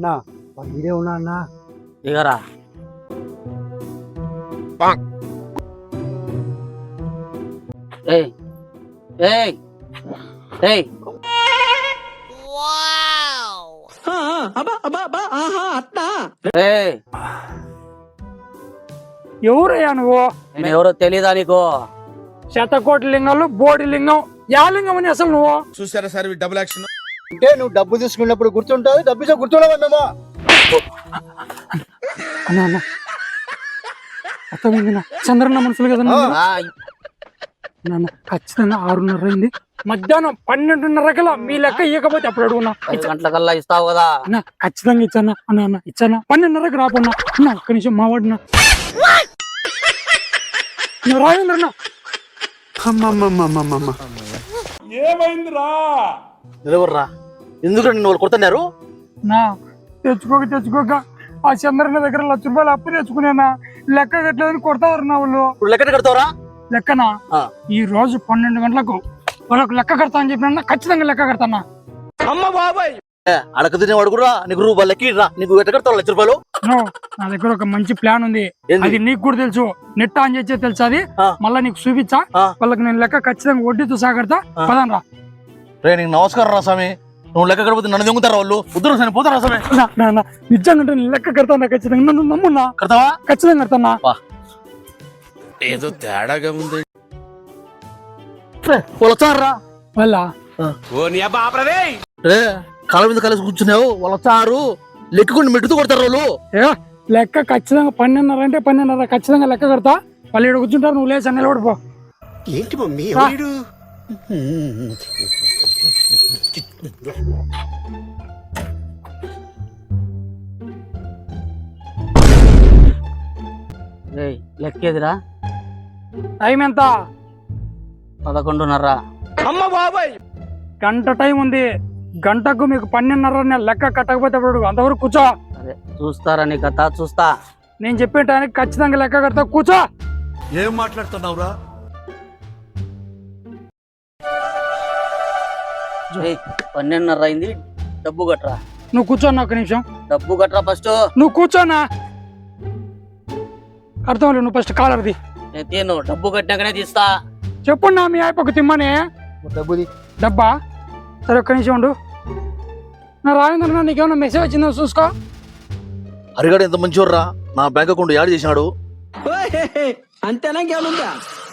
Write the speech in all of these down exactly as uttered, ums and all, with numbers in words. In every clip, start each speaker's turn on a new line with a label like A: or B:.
A: అన్నా ఇదే ఉన్నా అన్నా
B: దిగరా ఏయ్ ఏయ్ ఏయ్ ఏయ్
A: ఎవరయ్యా నువ్వు
B: నేను ఎవరో తెలీదా నీకు?
A: శతకోటి లింగాలు బోడి లింగం యా లింగం అని అసలు నువ్వు
C: చూసారా సార్ డబుల్ యాక్షన్
D: అంటే నువ్వు డబ్బు తీసుకున్నప్పుడు గుర్తుంటావు డబ్బు ఇచ్చా గుర్తుండవా మేము
A: అన్నా అన్న అర్థమైంది చంద్రన్న మనుషులు కదా
B: ఆ,
A: నాన్న ఖచ్చితంగా ఆరున్నర అయింది మధ్యాహ్నం పన్నెండున్నర కల్లా మీ లెక్క ఇవ్వకపోతే అప్పుడు అడుగున్నా
B: ఐదు గంటలకల్లా ఇస్తావు కదా?
A: అన్న ఖచ్చితంగా ఇచ్చానా అన్న అన్న ఇచ్చానా పన్నెండున్నరకు రాపన్నా అన్న ఒక్క నిమిషం మావాడినా రాయంద్రన్నా
C: ఏమైందిరా?
D: నిలవర్రా ఎందుకు నిన్ను వాళ్ళు కొడుతున్నారు
A: నా తెచ్చుకోక తెచ్చుకోక ఆ చంద్రన్న దగ్గర లక్ష రూపాయలు అప్పు తెచ్చుకునేనా లెక్క కట్టలేదని కొడతారు నా వాళ్ళు
D: ఇప్పుడు లెక్క కడతావరా
A: లెక్కనా
D: ఆ.
A: ఈ రోజు పన్నెండు గంటలకు వాళ్ళకు లెక్క కడతా అని చెప్పిన ఖచ్చితంగా లెక్క కడతానా
C: అమ్మ బాబాయ్
D: అడక తినేవాడు కూడా నీకు రూపాయలు లెక్క రా నీకు ఎట్ట కడతావు లక్ష రూపాయలు
A: నో, నా దగ్గర ఒక మంచి ప్లాన్ ఉంది
D: ఏంది?
A: అది నీకు కూడా తెలుసు నెట్ ఆన్ చేసే తెలుసు అది
D: ఆ.
A: మళ్ళా నీకు చూపించా
D: ఆ.
A: వాళ్ళకి నేను లెక్క ఖచ్చితంగా వడ్డీతో సాగడతా
D: ఆ.
A: పదాన్ రా
D: రే నీకు నమస్కారం రా స్వామి నువ్వు లెక్క కడిపోతే నన్ను దొంగతారా వాళ్ళు ఉద్దరు సామి పోతారా స్వామి
A: నా, నా, నా, నిజంగా నేను లెక్క కడతానా ఖచ్చితంగా నన్ను నమ్మున్నా
D: కడతావా
A: ఖచ్చితంగా కడతానా
C: ఏదో తేడాగా ఉంది.
D: వాళ్ళు వచ్చారా
A: వాళ్ళ
C: ఓ నీ అబ్బా ఆపరదే.
D: రే కాళ్ళ మీద కలిసి కూర్చున్నావు వాళ్ళు వచ్చారు లెక్కకుండా మెట్టుతూ కొడతారు వాళ్ళు
A: ఏ లెక్క ఖచ్చితంగా పన్నెండున్నర అంటే పన్నెండున్నర ఖచ్చితంగా లెక్క కడతా వాళ్ళు ఇక్కడ కూర్చుంటారు నువ్వు లేచి అన్నెల పడిపో
E: ఏంటి మమ్మీ
A: రా.
E: ఎవడు
B: ఏయ్ లెక్కేదిరా?
A: టైం ఎంత
B: పదకొండున్నర.
C: అమ్మ బాబాయ్
A: గంట టైం ఉంది గంటకు మీకు పన్నెండున్నర నేను లెక్క కట్టకపోతే అప్పుడు అంతవరకు కూర్చో
B: అదే చూస్తారా నీ కథ చూస్తా.
A: నేను చెప్పే టైంకి ఖచ్చితంగా లెక్క కడతా కూర్చో
C: ఏం మాట్లాడుతున్నావురా?
B: ఏయ్ పన్నెండున్నర అయింది, డబ్బు కట్టరా.
A: నువ్వు కూర్చోన్నా ఒక నిమిషం
B: డబ్బు కట్టరా ఫస్ట్.
A: నువ్వు కూర్చోనా అర్థం లేదు నువ్వు ఫస్ట్ కాలర్ది
B: నేను తీను, డబ్బు కట్టినాకనే తీస్తా.
A: చెప్పున్నా మీ అయిపోక తిమ్మని
D: డబ్బుది
A: డబ్బా సరే ఒక్క నిమిషం ఉండు నా రాజేంద్ర నీకేమన్నా మెసేజ్ వచ్చిందో చూసుకో
D: హరిగాడు ఎంత మంచివర్రా నా బ్యాంక్ అకౌంట్ యాడ్ చేసినాడు
E: అంతేనా ఇంకేమనుందా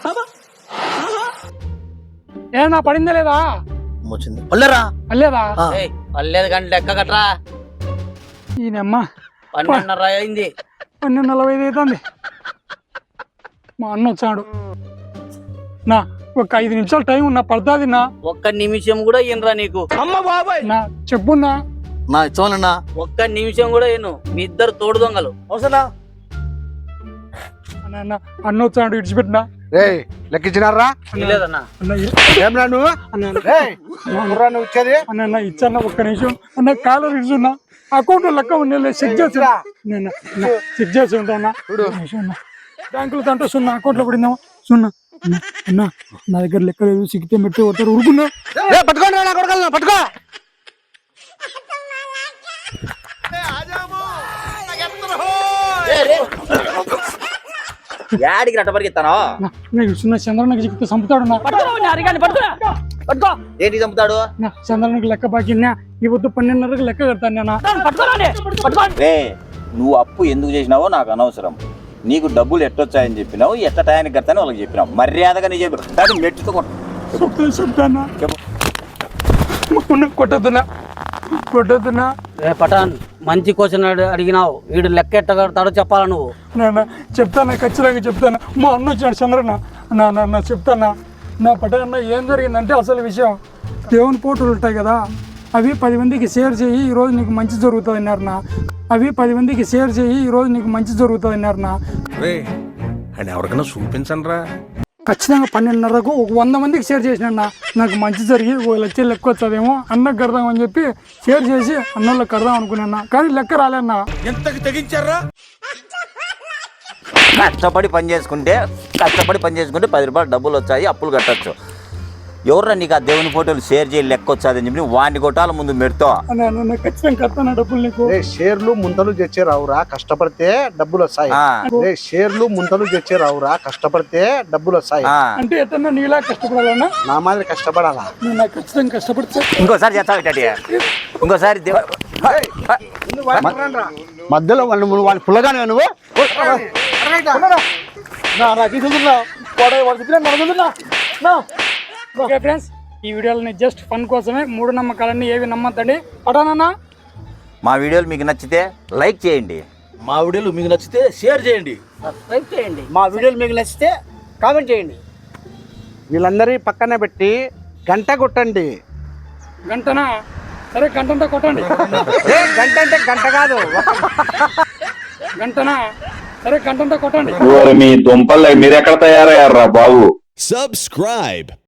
A: ఏ నా పడిందా లేదా
D: వచ్చింది పల్లెరా
A: అల్లేదా
B: ఏయ్ పర్లేదు కానీ లెక్క కట్టరా.
A: ఈయనమ్మ
B: పన్నెండున్నర అయింది.
A: పన్నెండు నలభై ఐదు అవుతుంది మా అన్న వచ్చాడు నా ఒక ఐదు నిమిషాలు టైం ఉన్నా పడుతుంది నా
B: ఒక్క నిమిషం కూడా ఇన్రా నీకు.
C: అమ్మ బాబాయ్
A: నా చెప్పున్నా
D: నా ఇచ్చావాలన్నా
B: ఒక్క నిమిషం కూడా ఇను. మీ ఇద్దరు తోడు దొంగలు.
D: అవసరా
A: అన్న అన్న అన్న వచ్చాడు ఇడిచిపెట్టినా
D: రే లెక్కించినారా
B: లేదన్నా.
A: అన్న ఇ-
D: ఏమన్నా నువ్వు
A: అన్న అన్న,
D: నువ్వు ఇచ్చేది
A: అన్న అన్న ఇచ్చాన్న ఒక్క నిమిషం అన్న కాలర్ ఇచ్చున్నా అకౌంట్ లెక్క ఉండే చెక్ చేసి చెక్ చేసి ఉంటా బ్యాంకులో తంటే సున్నా అకౌంట్ లో పడిందామా సున్నా అన్న, అన్న నా దగ్గర లెక్క లేదు సిక్కితే మెట్టి కొడతారు ఉరుకున్నా
D: పట్టుకోండి నా కొడగలను పట్టుకో
B: యాడికి రట్ట పరిగెత్తానో?
A: సున్నా చంద్రన్నకి చిక్కితే చంపుతాడు నా
B: పట్టుకో. ఏంటి చంపుతాడు?
A: నా చంద్రన్నకి లెక్క బాకిన్నా ఈ వద్దు పన్నెండున్నరకు లెక్క కడతాను నేను
F: రే నువ్వు అప్పు ఎందుకు చేసినావో నాకు అనవసరం. నీకు డబ్బులు ఎట్టొచ్చాయని చెప్పినావు, ఎట్ట టయానికి కడతానో వాళ్ళకి చెప్పినావు. మర్యాదగా నీ చెప్పి కానీ మెట్టుతో కొట్టు.
A: చెప్తాను చెప్తానా
F: చెప్పు.
A: కొట్టద్దునా కొట్టద్దునా
B: రే పటాన్ మంచి క్వశ్చన్ అడిగినావు. వీడు లెక్క ఎట్ట కడతాడో చెప్పాలా నువ్వు.
A: నా చెప్తానా ఖచ్చితంగా చెప్తాను మా అన్న వచ్చాడు చంద్రన్న నా నా చెప్తానా నా పటాన్న ఏం జరిగిందంటే అసలు విషయం దేవుని ఫోటోలు ఉంటాయి కదా అవి పది మందికి షేర్ చేయి ఈ రోజు నీకు మంచి జరుగుతుంది అన్నారు నా అవి పది మందికి షేర్ చేయి ఈ రోజు నీకు మంచి జరుగుతుంది అన్నారు నా
C: రే అని ఎవరికైనా చూపించండి రా.
A: ఖచ్చితంగా పన్నెండున్నరకు ఒక వంద మందికి షేర్ చేసినా నాకు మంచి జరిగి ఓ లక్ష లెక్క వచ్చేదేమో అన్నకు కడదాం అని చెప్పి షేర్ చేసి అన్నోళ్ళకి కడదాం అనుకున్నా కానీ లెక్క రాలేన్నా
C: ఎంతకి తెగించారా?
F: కష్టపడి పని చేసుకుంటే కష్టపడి పని చేసుకుంటే పది రూపాయలు డబ్బులు వచ్చాయి, అప్పులు కట్టచ్చు. ఎవర్రా నీకు ఆ దేవుని ఫోటోలు షేర్ చేయాలి లెక్క వచ్చాదని చెప్పి వాడిని కొట్టాల ముందు మెడతో
A: అన్న అన్న ఖచ్చితంగా కడతాను డబ్బులు నీకు.
G: రే షేర్లు ముంతలు తెచ్చే రావురా కష్టపడితే డబ్బులు వస్తాయి.
F: ఆ.
G: రే షేర్లు ముంతలు తెచ్చే రావురా కష్టపడితే డబ్బులు వస్తాయి.
F: ఆ.
A: అంటే ఎత్తన్నా నీలా కష్టపడాలన్నా
G: నా మాదిరి కష్టపడాలా?
A: నువ్వు నాకు ఖచ్చితంగా కష్టపడితే
F: ఇంకోసారి చేస్తావు ఇట్ట ఇంకోసారి దేవ-
G: మధ్యలో వాళ్ళు వాళ్ళు పుల్లగానే నువ్వు
A: ఓకే ఫ్రెండ్స్, ఈ వీడియోలని జస్ట్ ఫన్ కోసమే, మూడు నమ్మకాలన్నీ ఏవి నమ్మద్దండి. పటానన్నా
F: మా వీడియోలు మీకు నచ్చితే లైక్ చేయండి.
D: మా వీడియోలు మీకు నచ్చితే షేర్ చేయండి.
B: సబ్స్క్రైబ్ చేయండి.
E: మా వీడియోలు మీకు నచ్చితే కామెంట్ చేయండి.
G: వీళ్ళందరి పక్కన పెట్టి గంట కొట్టండి.
A: గంటనా? సరే గంటంతా కొట్టండి.
G: గంట అంటే గంట కాదు.
A: గంటనా? సరే గంటంతా కొట్టండి.
H: మీ దుంపలు మీరెక్కడ తయారయ్యారా బాబు?
I: Subscribe.